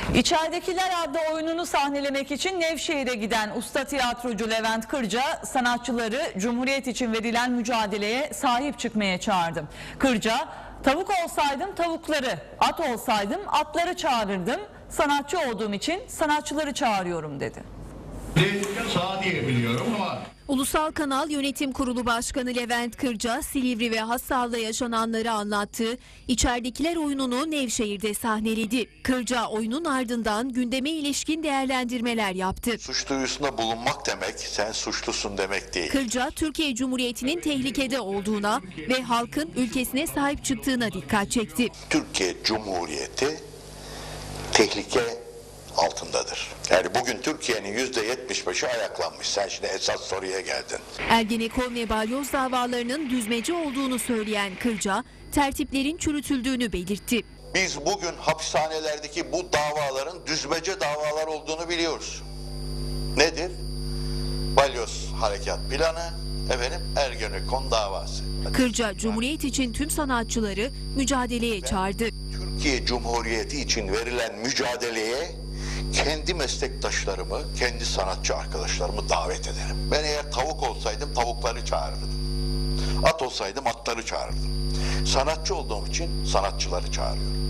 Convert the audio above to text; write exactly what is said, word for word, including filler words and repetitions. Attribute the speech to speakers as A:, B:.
A: İçeridekiler adlı oyununu sahnelemek için Nevşehir'e giden usta tiyatrocu Levent Kırca sanatçıları Cumhuriyet için verilen mücadeleye sahip çıkmaya çağırdı. Kırca, "Tavuk olsaydım tavukları, at olsaydım atları çağırırdım. Sanatçı olduğum için sanatçıları çağırıyorum" dedi.
B: Sağ diyebiliyorum ama...
C: Ulusal Kanal Yönetim Kurulu Başkanı Levent Kırca, Silivri ve Hassal'da yaşananları anlattı. İçeridekiler oyununu Nevşehir'de sahneledi. Kırca oyunun ardından gündeme ilişkin değerlendirmeler yaptı.
D: Suç duyurusunda bulunmak demek, sen suçlusun demek değil.
C: Kırca, Türkiye Cumhuriyeti'nin tehlikede olduğuna ve halkın ülkesine sahip çıktığına dikkat çekti.
D: Türkiye Cumhuriyeti tehlike altındadır. Yani bugün Türkiye'nin yüzde yetmiş beşi ayaklanmış. Sen şimdi esas soruya geldin.
C: Ergenekon ve balyoz davalarının düzmece olduğunu söyleyen Kırca, tertiplerin çürütüldüğünü belirtti.
D: Biz bugün hapishanelerdeki bu davaların düzmece davalar olduğunu biliyoruz. Nedir? Balyoz harekat planı, efendim Ergenekon davası.
C: Kırca, Cumhuriyet için tüm sanatçıları mücadeleye çağırdı.
D: Türkiye Cumhuriyeti için verilen mücadeleye kendi meslektaşlarımı, kendi sanatçı arkadaşlarımı davet ederim. Ben eğer tavuk olsaydım tavukları çağırırdım. At olsaydım atları çağırırdım. Sanatçı olduğum için sanatçıları çağırıyorum.